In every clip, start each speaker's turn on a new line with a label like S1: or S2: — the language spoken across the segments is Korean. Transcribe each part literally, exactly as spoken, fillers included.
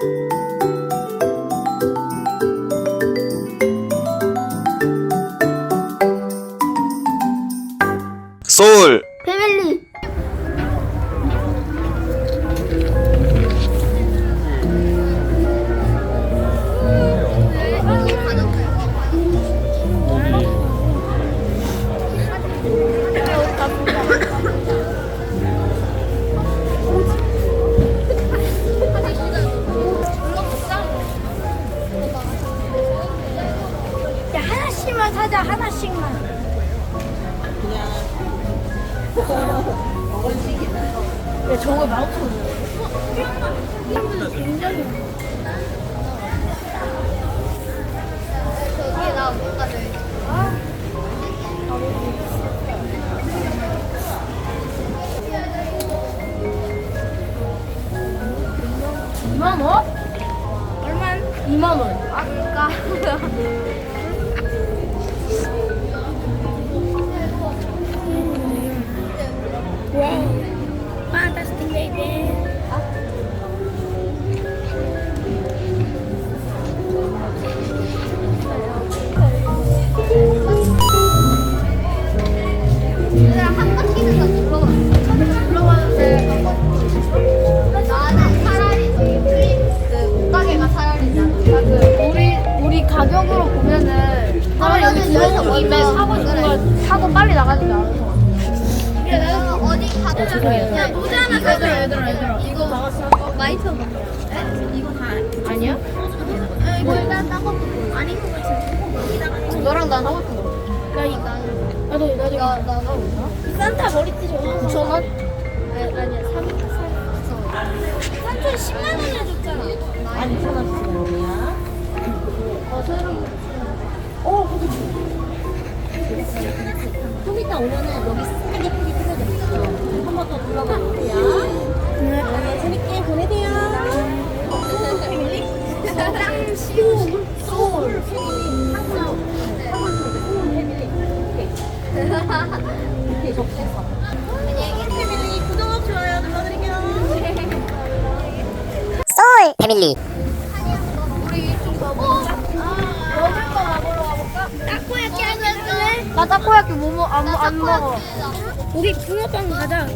S1: 소울
S2: 패밀리. 야, 하나씩만 사자. 하나씩만. 야, 저거 마우스 굉장히 저기에 나 뭔가 돼. 이만 원? 얼마? 이만 원. 아까. 와우. Fantastic baby. 얘들아, 한 바퀴는 다 둘러봐. 둘러봐도 돼. 나는 차라리 저기 플립 그 옷가게가 차라리 나는 그 우리 우리 가격으로 보면은 차라리 집에서 입에 사고 싶은 걸 사고 빨리 나가는 게 나아서. 그래, 나는 어디 가도
S3: 죄송해요.
S2: 야, 모자 하나 사줘.
S3: 얘들아, 얘들아.
S2: 이거 나갔어? 많이 쳐봐. 이거 다
S3: 아니야?
S2: 아, 이거 일단 딴 것도 아닌 것 같아.
S3: 너랑 난 하고 싶은 거.
S2: 나 이거
S3: 나도 나도
S2: 나 나도 산타 머리띠 줘.
S3: 구천 원?
S2: 아니 아니야 삼 삼. 산타 십만 원이나 줬잖아.
S3: 아니 이천 원씩이야.
S2: 어 새로.
S3: 어, 좀 이따 오면은 여기 싹 예쁘게 꾸며져 있어. 한 번 더 둘러봐 주세요. 네, 재밌게 보내세요.
S2: 땅 시우 소울.
S3: 이렇게 접수했어.
S2: 패밀리 구독 좋아요 눌러드릴게요.
S4: 소울 패밀리.
S2: 우리 이거 먹자. 먹을 거 먹으러 가볼까? 타코야끼 하실래? 나 타코야끼 뭐안안 먹어. 우리 붕어빵 가자.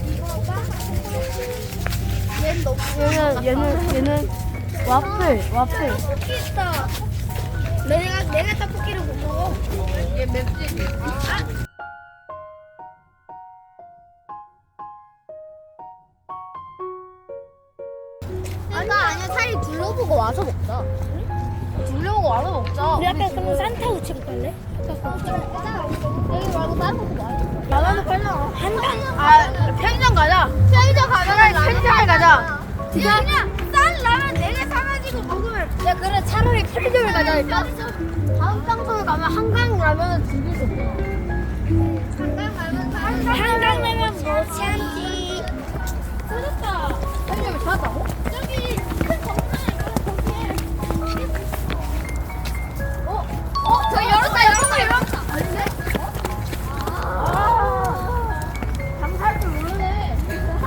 S2: 얘는 얘는 얘는 와플 와플. 떡볶이 있다. 내가 내가 떡볶이를 못 먹어. 얘 맵지. 아. 아까 아니야 차라리 둘러보고 와서 먹자. 둘러보고 와서 먹자. 우리 아까 그럼 산타 우체국 갈래? 여기 말고 다른 곳도 많아. 나가도 빨라. 한강. 아 편의점 가자. 편의점 가자. 편의점에 가자. 그냥 그냥 싼 라면 네 개 사가지고 먹으면. 야 그래 차라리 편의점에 가자 일단. 다음 장소에 가면 한강 라면은 죽일 수 없어. 한강 라면 한강 라면 뭐 참지. 찾았다. 편의점에 찾았다고? 저기 큰 정상에 거기에. 어? 어? 저기 열었다 열었다 열었다. 아닌데? 아. 장사할 줄 모르네.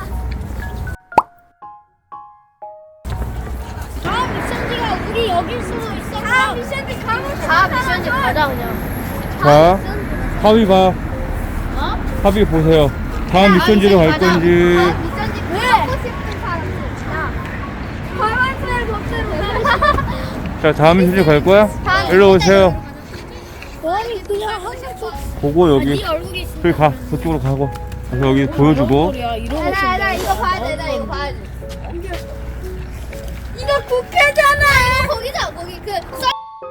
S2: 다음 미션지가 우리 여길 수도 있어. 다음 미션지 가고 싶어. 다음 미션지 가자 그냥.
S1: 자 하위 봐. 하위 보세요. 다음 미션지로 갈 건지.
S2: 다음 미션지 가고 싶은 사람들. 야. 파란색 겉으로.
S1: 자 다음 미션지 갈 거야? 일로 오세요.
S2: 아니 그냥 항상
S1: 보고 여기
S2: 네 얼굴이 있어.
S1: 저기 가 저쪽으로 가고 그래서 여기 보여주고.
S2: 나, 나 이거 봐야 돼, 나 이거 봐야 돼. 이거 국회잖아. 이거 거기다, 거기 그 썰.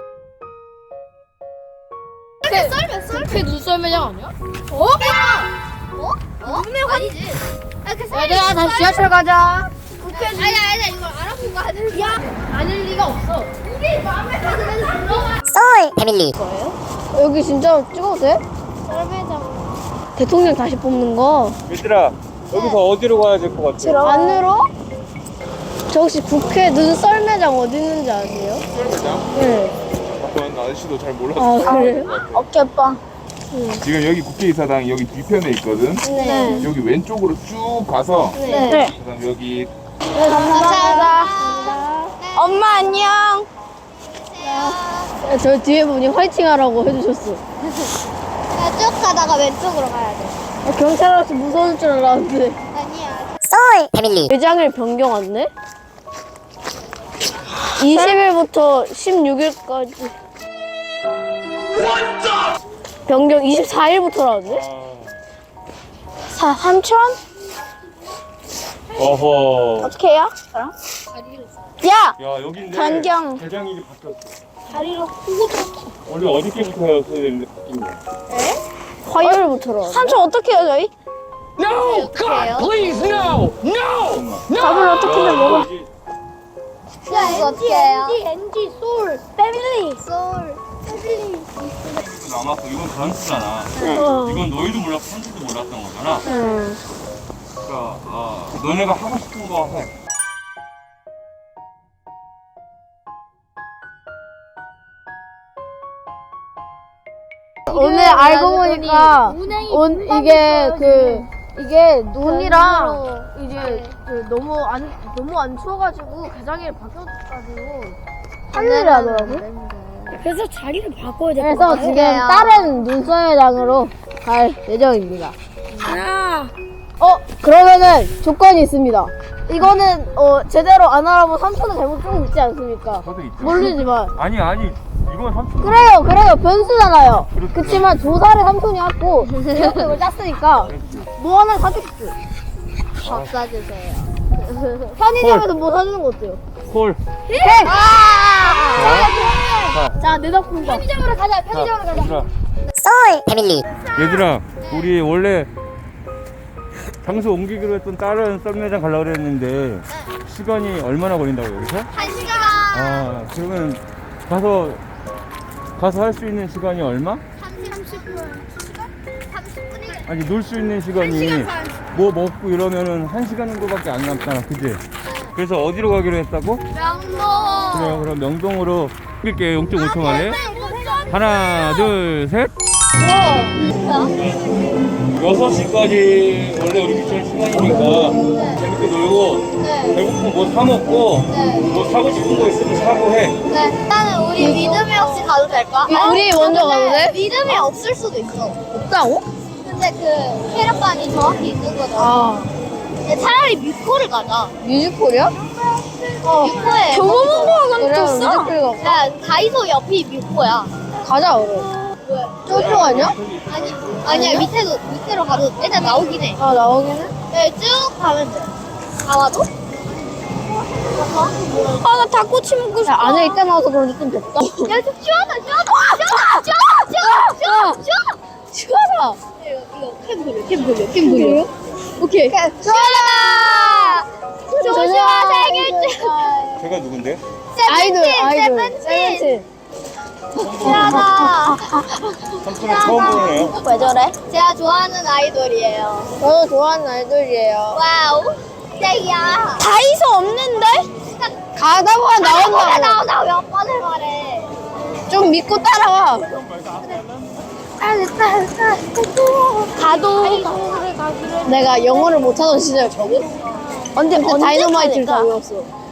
S2: 그 썰면 썰.
S3: 그게 눈썰 매장 아니야?
S2: 어? 어? 어? 눈에 아니지. 아, 그 썰.
S3: 얘들아 다시 지하철 가자.
S2: 국회. 아니 아니 이거 알아보고 가야 돼. 야,
S3: 아닐 리가 없어.
S2: 우리 마음에 드는 들어가.
S4: 소울 패밀리.
S3: 여기 진짜 찍어도 돼?
S2: 썰매장.
S3: 대통령 다시 뽑는 거.
S1: 얘들아 여기서 어디로 가야 될 것 같아?
S3: 안으로? 저 혹시 국회 눈썰 매장 어디 있는지 아세요?
S1: 매장?
S3: 네.
S1: 아빠는 아저씨도 잘 몰라서
S3: 아 그래요?
S2: 어깨 빠.
S1: 지금 여기 국회의사당 여기 뒤편에 있거든.
S3: 네.
S1: 여기 왼쪽으로 쭉 가서
S3: 네.
S1: 그다음 여기
S3: 감사합니다.
S2: 저 뒤에 분이 화이팅 하라고 해주셨어.
S5: 야, 쭉 가다가 왼쪽으로 가야 돼.
S2: 아, 경찰 아저씨 무서울 줄 알았는데.
S5: 아니야.
S4: 쏠 패밀리
S2: 매장일 변경왔네? 이십 일부터 십육 일까지. 변경 이십사 일부터라는데? 사, 삼천?
S1: 어허.
S2: 어떻게 해요? 야!
S1: 야 여기인데
S2: 변경.
S1: 대장일이 바뀌었어.
S5: 다리로 후고
S1: 원래 어저께부터였어야 되는데 바뀐 거야.
S2: 화요일부터라는데? 삼천 어떻게 해요 저희?
S1: No! God, please, no! No!
S2: 밥을 어떻게 해 먹어?
S5: 야, 이거 어떻게 해요?
S2: 엔지, 솔, 패밀리.
S5: 솔, 패밀리.
S1: 남았어. 이건 단수잖아.
S2: 어.
S1: 이건 너희도 몰랐고 한지도 몰랐던 거잖아.
S2: 응.
S1: 그러니까 아, 너네가 하고 싶은 거 해.
S2: 오늘 알고 보니까 온 이게 그 이게 눈이랑 이제 그 너무 안 너무 안 추워가지고 개장일 바뀌어가지고 화요일에 하더라고.
S5: 그래서 자리를 바꿔야 돼.
S2: 그래서 지금 다른 눈썰매장으로 갈 예정입니다.
S5: 아,
S2: 어 그러면은 조건이 있습니다. 이거는 어 제대로 안 알아본 삼촌은 잘못 조금 있지 않습니까?
S1: 저도 있죠.
S2: 모르지만
S1: 아니 아니 이건 삼촌.
S2: 그래요 그래요 변수잖아요. 그렇지만 조사를 삼촌이 했고 계획을 짰으니까 뭐 하나 사줄게.
S5: 밥 사주세요.
S2: 편의점에서 뭐 사주는 거 어때요?
S1: 콜.
S2: 자, 자, 내 덕분에 편의점으로 가자. 편의점으로 가자.
S1: 얘들아,
S4: 쏠 패밀리
S1: 얘들아, 우리 원래 장소 옮기기로 했던 다른 썰매장 가려고 그랬는데 시간이 얼마나 걸린다고 여기서?
S5: 한 시간.
S1: 아 그러면 가서 가서 할 수 있는 시간이 얼마?
S5: 삼십 분. 삼십 분이겠다.
S1: 아니 놀 수 있는 시간이 뭐 먹고 이러면은 한 시간 정도밖에 안 남잖아, 그지? 그래서 어디로 가기로 했다고?
S5: 명동.
S1: 그래요, 그럼 명동으로 뛸게. 영 점 오 초 만에. 하나, 둘, 셋. 여섯 시까지 원래 우리 미션 시간이니까 재밌게 놀고 배고프면 뭐 사 먹고 뭐 사고 싶은 거 있으면 사고 해.
S5: 네. 일단은 우리 믿음이 없이 가도 될까?
S2: 이- 우리 먼저 가도 돼?
S5: 믿음이 없을 수도 있어.
S2: 없다고?
S5: 근데 그 체력관이 정확히 있는 거잖아.
S2: 아,
S5: 근데 차라리 뮤코를 가자.
S2: 뮤지컬이야?
S5: 어. 뮤코에.
S2: 경호문고가 그래, 뮤지컬 가.
S5: 야, 다이소 옆이 뮤코야.
S2: 가자, 그럼.
S5: 왜?
S2: 저쪽 아니야?
S5: 아니, 아니야. 밑에도, 밑으로 가도 일단 나오긴 해.
S2: 아, 나오긴 해.
S5: 네, 쭉 가면 돼. 다 와도?
S2: 아, 나 닭꼬치 먹고 싶어. 야, 안에 있다 나와서 그런지 좀 덥다.
S5: 야, 좀 시원하다, 시원하다, 시원하다, 시원하다, 시원하다, 시원하다.
S2: 시원하다.
S5: 이거, 이거 캠 돌려, 캠 돌려, 캠 돌려.
S2: 오케이.
S5: 시원하다! 조슈아 생일 축
S1: 제가 누군데?
S2: 아이돌, 아이돌.
S5: 세븐틴!
S2: 세븐틴.
S5: 시원하다!
S1: 삼촌은 처음 보네요.
S2: 왜 저래?
S5: 제가 좋아하는 아이돌이에요.
S2: 저도 좋아하는 아이돌이에요.
S5: 와우. 땡이야.
S2: 다이소 없는데? 가다 보면
S5: 나온다고.
S2: 나온다고.
S5: 나온다고 몇 번을 말해.
S2: 좀 믿고 따라와. 가도 내가 영어를 못하던 시절 저기? 언제 언제 다이너마이트를 다 외웠어.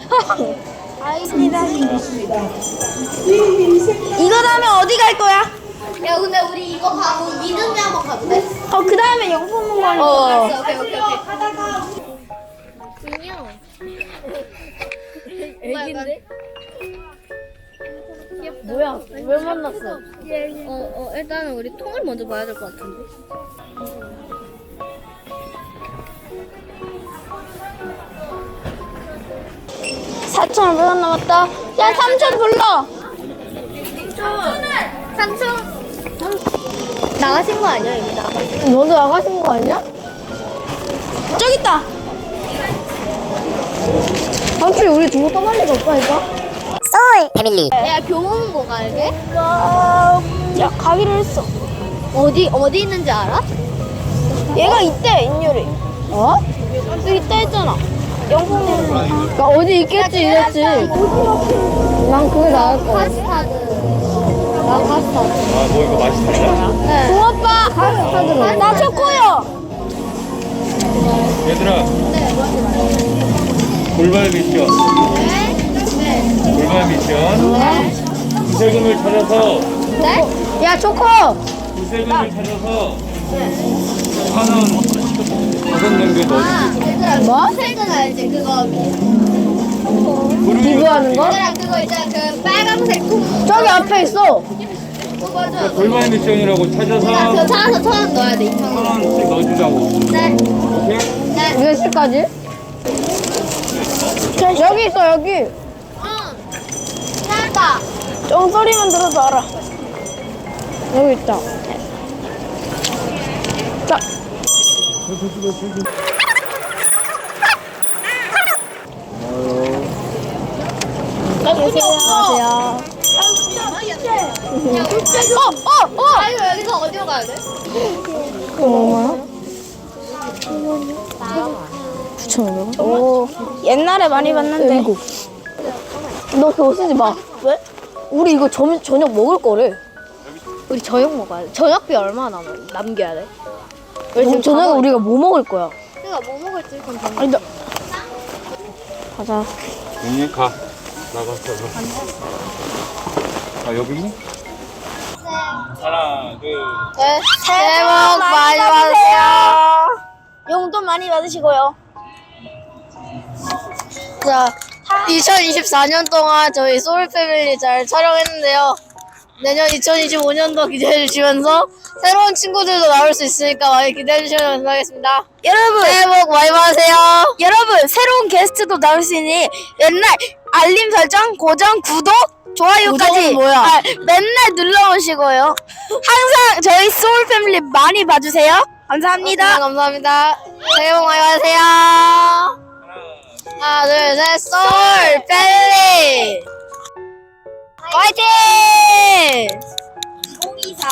S2: 이거 다음에 어디 갈 거야?
S5: 야, 근데 우리 이거 가고 믿음이 한번 가도 돼?
S2: 어, 그 다음에 영품 먹으러 어.
S5: 오케이, 오케이, 오케이.
S2: 애기인데? 뭐야? 왜 만났어?
S5: 어, 어, 일단은 우리 통을 먼저 봐야 될 것 같은데.
S2: 사천오백 원 남았다. 야, 삼천 불러.
S5: 삼촌. 나가신 거 아니야, 이미 나가.
S2: 너도 나가신 거 아니야? 저기 있다. 삼촌이 우리 두고 떠날 리가 없다니까.
S4: 쏠 패밀리
S5: 내가 교문고 갈게.
S2: 야, 가기로 했어.
S5: 어디, 어디 있는지 알아?
S2: 얘가 있대, 인율이. 어? 여기 있다 했잖아. 영풍님. 그러니까 어디 있겠지, 이랬지. 난 그게 나을 거야.
S5: 카스타드. 나 카스타드.
S1: 아 뭐 이거 맛있다.
S5: 네.
S2: 고아빠. 카스타드. 나 초코요.
S1: 얘들아. 골반 미션.
S5: 네.
S1: 골반 미션.
S5: 네.
S1: 세 구세금을 찾아서
S2: 네? 야 초코.
S1: 구세금을 찾아서 하는 다섯 냄비에 넣어주세요.
S2: 뭐?
S5: 색은 알지? 그거.
S2: 비교하는 거?
S5: 얘들아, 그거 있잖아. 그 빨간색 통.
S2: 저기 앞에 있어.
S5: 그거죠?
S1: 골반 미션이라고
S5: 그거
S1: 찾아서
S5: 찾아서 천 원 넣어야 돼. 이천
S1: 천
S5: 원.
S1: 원씩 넣어주자고.
S5: 네.
S1: 오케이?
S5: 네.
S2: 몇 시까지? 여기 있어 여기.
S5: 응. 찾았다.
S2: 좀 소리만 들어도 알아. 여기 있다. 자. 안녕하세요.
S5: 어, 어, 어! 아, 이거 여기서 어디로 가야 돼?
S2: 얼마야? 구천오백 원? 오, 옛날에 많이 봤는데. 너 그거 쓰지 마. 왜? 우리 이거 점, 저녁 먹을 거래. 우리 저녁 먹어야 돼. 저녁비 얼마 남, 남겨야 돼? 왜 지금 저녁에 우리가 뭐 먹을 거야?
S5: 내가 뭐 먹을지 그럼 정해.
S2: 아니, 나. 가자.
S1: 언니 가. 나가서. 아 여기 있니? 하나 둘.
S5: 네.
S2: 새해 복 많이 받으세요. 용돈 많이 받으시고요. 자, 이천이십사 년 동안 저희 소울 패밀리 잘 촬영했는데요. 내년 이천이십오 년도 기대해 주시면서 새로운 친구들도 나올 수 있으니까 많이 기대해 주시면 감사하겠습니다. 여러분, 새해 복 많이 받으세요. 여러분, 새로운 게스트도 나올 수 있으니 옛날 알림 설정, 고정, 구독, 좋아요까지 뭐야? 아, 맨날 눌러오시고요. 항상 저희 소울 패밀리 많이 봐주세요. 감사합니다. 감사합니다. 새해 복 많이 받으세요. 하나, 둘, 셋, 소울 패밀리 화이팅!
S5: 공이사.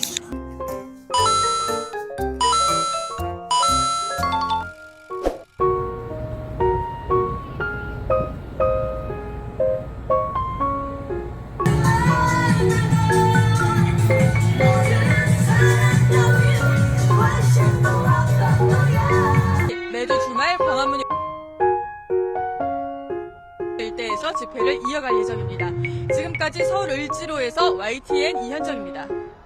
S6: 매주 주말 광화문 일대에서 집회를 이어갈 예정입니다. 지금까지 서울 을지로에서 와이티엔 이현정입니다.